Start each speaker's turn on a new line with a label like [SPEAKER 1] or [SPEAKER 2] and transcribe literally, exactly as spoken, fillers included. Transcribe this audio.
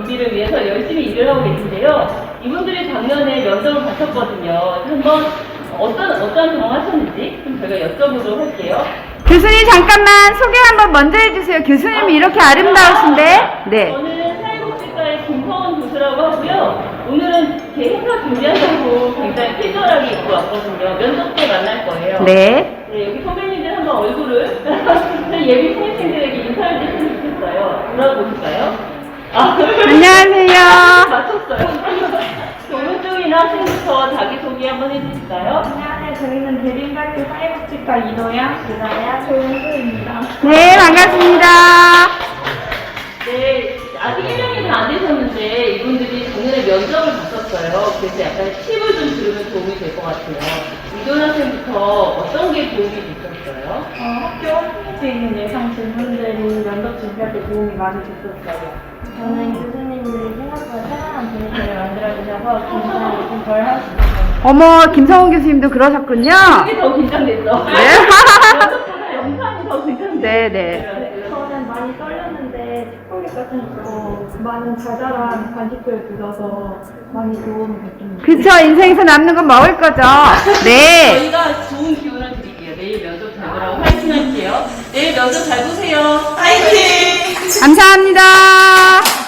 [SPEAKER 1] 준비를 위해서 열심히 일을 하고 계신데요. 이분들이 작년에 면접을 받았거든요. 한번 어떤, 어떤 경험 하셨는지 좀 제가 여쭤보도록 할게요.
[SPEAKER 2] 교수님 잠깐만 소개 한번 먼저 해주세요. 교수님이 이렇게 아름다우신데. 네.
[SPEAKER 1] 저는 사회복지과의 김성원 교수라고 하고요. 오늘은 제 행사 준비한다고 굉장히 캐주얼하게 입고 왔거든요. 면접 때 만날 거예요.
[SPEAKER 2] 네.
[SPEAKER 1] 네, 여기 선배님들 한번 얼굴을 예비 신입생들에게 인사를 드리면 좋겠어요. 물어보실까요? 아,
[SPEAKER 2] 안녕하세요.
[SPEAKER 1] 맞췄어요. 오른쪽이나 학생부터 자기소개 한번 해주실까요?
[SPEAKER 3] 안녕하세요. 저희는 대림대학교 사회복지과 이도영, 유나야, 조은수입니다.
[SPEAKER 2] 네, 반갑습니다.
[SPEAKER 1] 네, 아직 일 년이 다 안 되셨는데 이분들이 작년에 면접을 봤었어요. 그래서 약간 팁을 좀 들으면 도움이 될 것 같아요. 이도현 학생부터 어떤 게 도움이 됐었어요?
[SPEAKER 3] 어, 학교 홈페이지에 있는 예상 질문들이 면접 준비할 때 도움이 많이 됐었어요. 저는 교수님들이 생각보다 편안한 분위기를 만들어주셔서 긴장을 좀 덜 할 수 있어요.
[SPEAKER 2] 어머, 김성훈 교수님도 그러셨군요.
[SPEAKER 1] 그게 더 긴장됐어.
[SPEAKER 2] 네.
[SPEAKER 1] 면접보다 영상이 더 긴장됐어요.
[SPEAKER 2] 네, 네.
[SPEAKER 3] 저는 많이 떨렸는데 특보기 같은 거 많은 자잘한 간식들을 들어서 많이 도움이 됐습니다.
[SPEAKER 2] 그쵸, 인생에서 남는 건 먹을 거죠. 네.
[SPEAKER 1] 저희가 좋은 기운을 드릴게요. 내일 면접 잘 보라고 화이팅 할게요. 내일 면접 잘 보세요. 화이팅!
[SPEAKER 2] 감사합니다.